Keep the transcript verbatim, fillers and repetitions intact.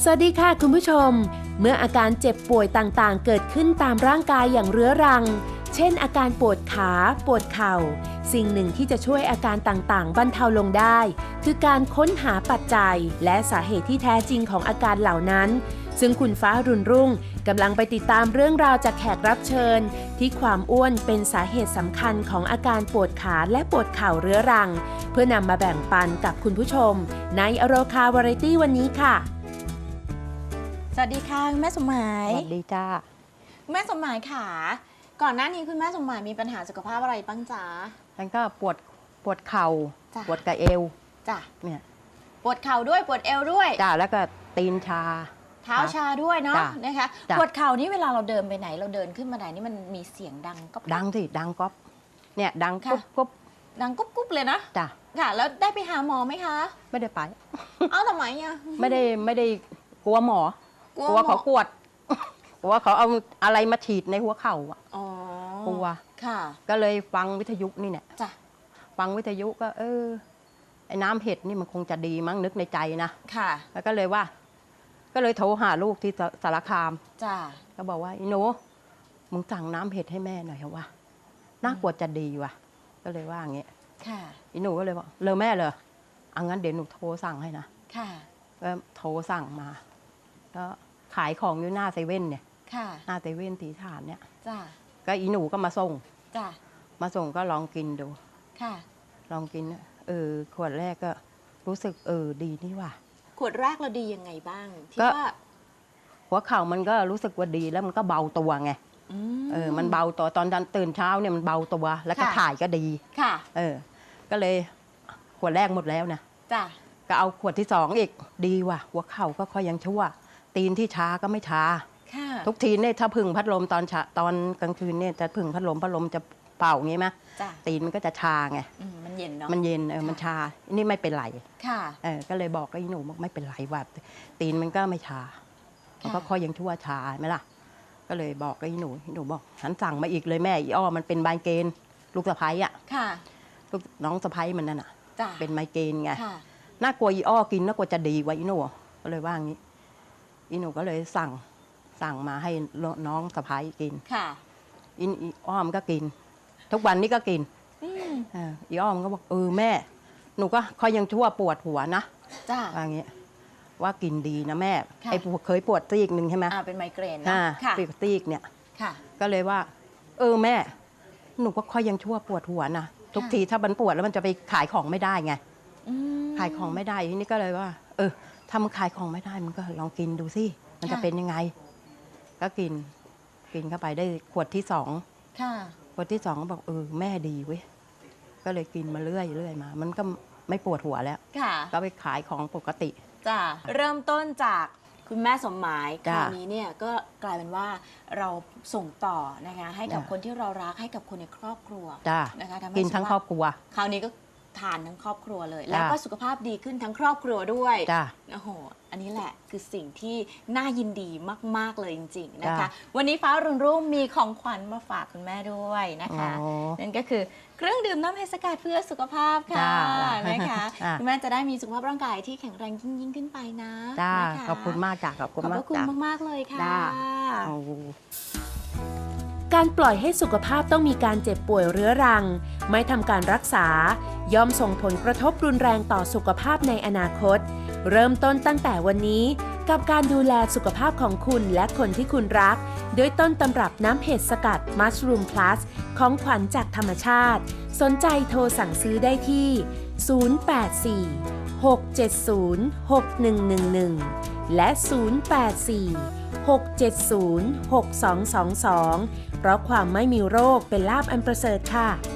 สวัสดีค่ะคุณผู้ชมเมื่ออาการเจ็บป่วยต่างๆเกิดขึ้นตามร่างกายอย่างเรื้อรังเช่นอาการปวดขาปวดเข่าสิ่งหนึ่งที่จะช่วยอาการต่างๆบรรเทาลงได้คือการค้นหาปัจจัยและสาเหตุที่แท้จริงของอาการเหล่านั้นซึ่งคุณฟ้ารุ่นรุ่งกำลังไปติดตามเรื่องราวจากแขกรับเชิญที่ความอ้วนเป็นสาเหตุสำคัญของอาการปวดขาและปวดเข่าเรื้อรังเพื่อนำมาแบ่งปันกับคุณผู้ชมในอโรคาวาไรตี้วันนี้ค่ะสวัสดีค่ะคุณแม่สมหมายสวัสดีจ้าคุณแม่สมหมายค่ะก่อนหน้านี้คุณแม่สมหมายมีปัญหาสุขภาพอะไรบ้างจ๊ะฉันก็ปวดปวดเข่าปวดกระเอวจ้ะเนี่ยปวดเข่าด้วยปวดเอวด้วยจ้าแล้วก็ตีนชาเท้าชาด้วยเนาะนะคะปวดเข่านี่เวลาเราเดินไปไหนเราเดินขึ้นมาไหนนี่มันมีเสียงดังก็ดังสิดังก๊อบเนี่ยดังกุ๊บกุ๊บดังกุ๊บกุ๊บเลยนะจ้ะค่ะแล้วได้ไปหาหมอไหมคะไม่ได้ไปเอ้าทำไมอ่ะไม่ได้ไม่ได้กลัวหมอกลัวเขาปวดกลัวเขาเอาอะไรมาฉีดในหัวเข่าอ่ะกลัวค่ะก็เลยฟังวิทยุนี่เนี่ยจ้ะฟังวิทยุก็เออไอ้น้ำเห็ดนี่มันคงจะดีมั้งนึกในใจนะค่ะแล้วก็เลยว่าก็เลยโทรหาลูกที่สารคามจ้ะก็บอกว่าอีโนมึงสั่งน้ำเห็ดให้แม่หน่อยเหรอวะน่ากลัวจะดีว่ะก็เลยว่าอย่างเงี้ยค่ะอีหนูก็เลยบอกเลยแม่เลยอังั้นเดี๋ยวหนูโทรสั่งให้นะค่ะก็โทรสั่งมาแล้วขายของอยู่หน้าเซเว่นเนี่ยค่ะหน้าเซเว่นตีฐานเนี่ยจ้ะก็อีหนูก็มาส่งจ้ะมาส่งก็ลองกินดูค่ะลองกินเออขวดแรกก็รู้สึกเออดีนี่ว่ะขวดแรกเราดียังไงบ้างที่ว่าหัวเข่ามันก็รู้สึกว่าดีแล้วมันก็เบาตัวไงเออมันเบาตัวตอนตื่นเช้าเนี่ยมันเบาตัวแล้วก็ถ่ายก็ดีค่ะเออก็เลยขวดแรกหมดแล้วนะจ้ะก็เอาขวดที่สองอีกดีว่ะหัวเข่าก็ค่อยยังชั่วตีนที่ชาก็ไม่ชาทุกทีเนี่ยถ้าพึ่งพัดลมตอนตอนกลางคืนเนี่ยจะพึ่งพัดลมพัดลมจะเป่างี้ไหมตีนมันก็จะชาไงมันเย็นเนาะมันเย็นเออมันชานี่ไม่เป็นไรค่ะเออก็เลยบอกกับอีหนูบอกไม่เป็นไรว่ะตีนมันก็ไม่ชามันก็ค่อยยังชั่วชาไหมล่ะก็เลยบอกกับอีหนูอีหนูบอกฉันสั่งมาอีกเลยแม่อีอ้อมันเป็นไมเกรนลูกสะพ้ายอ่ะค่ะลูกน้องสะพ้ายมันนั่นอ่ะเป็นไมเกรนไงค่ะน่ากลัวอีอ้อกินน่ากลัวจะดีกว่าอีหนูก็เลยว่างี้อีหนูก็เลยสั่งสั่งมาให้น้องสะพ้ายกินค่ะอีอ้อมก็กินทุกวันนี้ก็กินอีอ้อมก็บอกเออแม่หนูก็ค่อยยังชั่วปวดหัวนะจ้าว่างี้ว่ากินดีนะแม่ไอ้เคยปวดซีกหนึ่งใช่ไหมอ่าเป็นไมเกรนนะค่ะปวดซีกเนี่ยค่ะก็เลยว่าเออแม่หนูก็ค่อยยังชั่วปวดหัวนะทุกทีถ้ามันปวดแล้วมันจะไปขายของไม่ได้ไงขายของไม่ได้ทีนี้ก็เลยว่าเออถ้ามันขายของไม่ได้มันก็ลองกินดูสิมันจะเป็นยังไงก็กินกินเข้าไปได้ขวดที่สองขวดที่สองก็บอกเออแม่ดีเว้ยก็เลยกินมาเรื่อยเรื่อยมามันก็ไม่ปวดหัวแล้วก็ไปขายของปกติจ้ะเริ่มต้นจากคุณแม่สมหมายคราวนี้เนี่ยก็กลายเป็นว่าเราส่งต่อนะคะให้กับคนที่เรารักให้กับคนในครอบครัวนะคะกินทั้งครอบครัวคราวนี้ก็ทานทั้งครอบครัวเลยแล้วก็สุขภาพดีขึ้นทั้งครอบครัวด้วยโอ้โหอันนี้แหละคือสิ่งที่น่ายินดีมากๆเลยจริงๆนะคะวันนี้ฟ้ารุ่งรุ่งมีของขวัญมาฝากคุณแม่ด้วยนะคะนั่นก็คือเครื่องดื่มน้ำเห็ดสกัดเพื่อสุขภาพค่ะนะคะคุณแม่จะได้มีสุขภาพร่างกายที่แข็งแรงยิ่งๆขึ้นไปนะขอบคุณมากจ้ะขอบคุณมากขอบคุณมากๆเลยค่ะการปล่อยให้สุขภาพต้องมีการเจ็บป่วยเรื้อรังไม่ทำการรักษาย่อมส่งผลกระทบรุนแรงต่อสุขภาพในอนาคตเริ่มต้นตั้งแต่วันนี้กับการดูแลสุขภาพของคุณและคนที่คุณรักด้วยต้นตำรับน้ำเห็ดสกัด Mushroom Plus ของขวัญจากธรรมชาติสนใจโทรสั่งซื้อได้ที่ศูนย์ แปด สี่ หก เจ็ด ศูนย์ หก หนึ่ง หนึ่ง หนึ่งและศูนย์ แปด สี่ หก เจ็ด ศูนย์ หก สอง สอง สองเพราะความไม่มีโรคเป็นลาภอันประเสริฐค่ะ